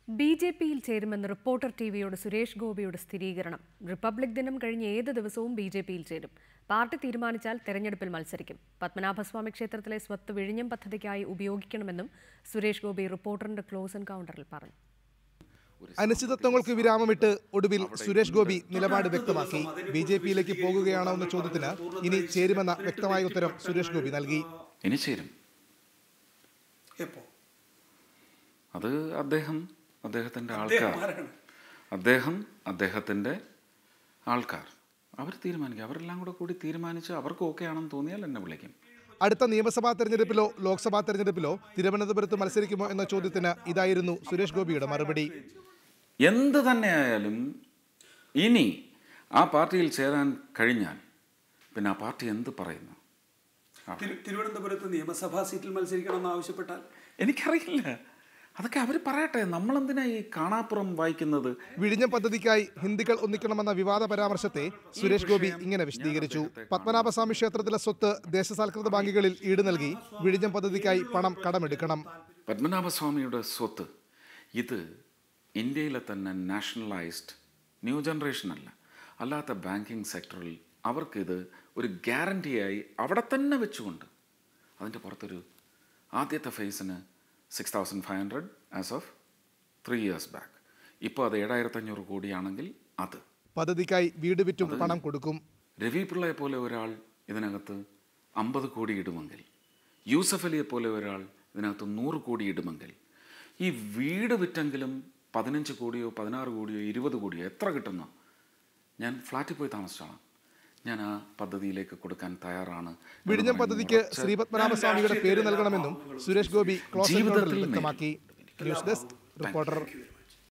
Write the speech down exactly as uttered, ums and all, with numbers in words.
B J പിയിൽ ചേരുമെന്ന് reporter T വിയോട് Suresh ഗോപിയുടെ സ്ഥിരീകരണം. റിപ്പബ്ലിക് ദിനം കഴിഞ്ഞ് ഏത് ദിവസവും ബി ജെ പിയിൽ ചേരും. പാർട്ടി തീരുമാനിച്ചാൽ തെരഞ്ഞെടുപ്പിൽ മത്സരിക്കും. പത്മനാഭസ്വാമി ക്ഷേത്രത്തിലെ സ്വത്ത് വിഴിഞ്ഞം പദ്ധതിക്കായി ഉപയോഗിക്കണമെന്നും സുരേഷ് ഗോപി റിപ്പോർട്ടറിന്റെ ക്ലോസ് എൻകൗണ്ടറിൽ പറഞ്ഞു. അനിശ്ചിതത്വങ്ങൾക്ക് വിരാമമിട്ട് ഒടുവിൽ സുരേഷ് ഗോപി നിലപാട് വ്യക്തമാക്കി. ബി ജെ പിയിലേക്ക് പോകുകയാണോ എന്ന ചോദ്യത്തിന് ഇനി ചേരുമെന്ന വ്യക്തമായ ഉത്തരം സുരേഷ് ഗോപി നൽകി. ഇനി ചേരും. അത് അദ്ദേഹം അദ്ദേഹത്തിൻ്റെ ആൾക്കാർ അദ്ദേഹം അദ്ദേഹത്തിൻ്റെ ആൾക്കാർ അവർ തീരുമാനിക്കും. അവരെല്ലാം കൂടെ കൂടി തീരുമാനിച്ച് അവർക്ക് ഓക്കെ ആണെന്ന് തോന്നിയാൽ എന്നെ വിളിക്കും. അടുത്ത നിയമസഭാ തെരഞ്ഞെടുപ്പിലോ ലോക്സഭാ തെരഞ്ഞെടുപ്പിലോ തിരുവനന്തപുരത്ത് മത്സരിക്കുമോ എന്ന ചോദ്യത്തിന് ഇതായിരുന്നു സുരേഷ് ഗോപിയുടെ മറുപടി. എന്ത് തന്നെയായാലും ഇനി ആ പാർട്ടിയിൽ ചേരാൻ കഴിഞ്ഞാൽ പിന്നെ ആ പാർട്ടി എന്ത് പറയുന്നു? തിരുവനന്തപുരത്ത് നിയമസഭാ സീറ്റിൽ മത്സരിക്കണമെന്ന് ആവശ്യപ്പെട്ടാൽ എനിക്കറിയില്ല. അതൊക്കെ അവർ പറയട്ടെ. നമ്മളെന്തിനാ ഈ കാണാപ്പുറം വായിക്കുന്നത്? വിഴിഞ്ഞം പദ്ധതിക്കായി ഹിന്ദികൾ ഒന്നിക്കണമെന്ന വിവാദ പരാമർശത്തെ സുരേഷ് ഗോപി ഇങ്ങനെ വിശദീകരിച്ചു. പത്മനാഭസ്വാമി ക്ഷേത്രത്തിലെ സ്വത്ത് ദേശസാൽകൃത ബാങ്കുകളിൽ ഈട് നൽകി വിഴിഞ്ഞം പദ്ധതിക്കായി പണം കടമെടുക്കണം. പത്മനാഭസ്വാമിയുടെ സ്വത്ത് ഇത് ഇന്ത്യയിലെ തന്നെ നാഷണലൈസ്ഡ് ന്യൂ ജനറേഷൻ അല്ല, അല്ലാത്ത ബാങ്കിങ് സെക്ടറിൽ അവർക്കിത് ഒരു ഗ്യാരണ്ടിയായി അവിടെ തന്നെ വെച്ചുകൊണ്ട് അതിൻ്റെ പുറത്തൊരു ആദ്യത്തെ ഫേസിന് six thousand five hundred as of three years back. ഇപ്പോൾ അത് ഏഴായിരത്തി അഞ്ഞൂറ് കോടിയാണെങ്കിൽ അത് പദ്ധതിക്കായി വീട് വിറ്റും പണം കൊടുക്കും. രവി പിള്ളയെ പോലെ ഒരാൾ ഇതിനകത്ത് അമ്പത് കോടി ഇടുമെങ്കിൽ, യൂസഫ് അലിയെ പോലെ ഒരാൾ ഇതിനകത്ത് നൂറ് കോടി ഇടുമെങ്കിൽ, ഈ വീട് വിറ്റെങ്കിലും പതിനഞ്ച് കോടിയോ പതിനാറ് കോടിയോ ഇരുപത് കോടിയോ എത്ര കിട്ടുന്നു? ഞാൻ ഫ്ലാറ്റിൽ പോയി താമസിച്ചാണ്. ഞാൻ ആ പദ്ധതിയിലേക്ക് കൊടുക്കാൻ തയ്യാറാണ്. വിഴിഞ്ഞം പദ്ധതിക്ക് ശ്രീ പത്മനാഭസ്വാമിയുടെ പേര് നൽകണമെന്നും സുരേഷ് ഗോപി ക്ലോസ് എൻകൗണ്ടറിൽ വ്യക്തമാക്കി. News desk reporter.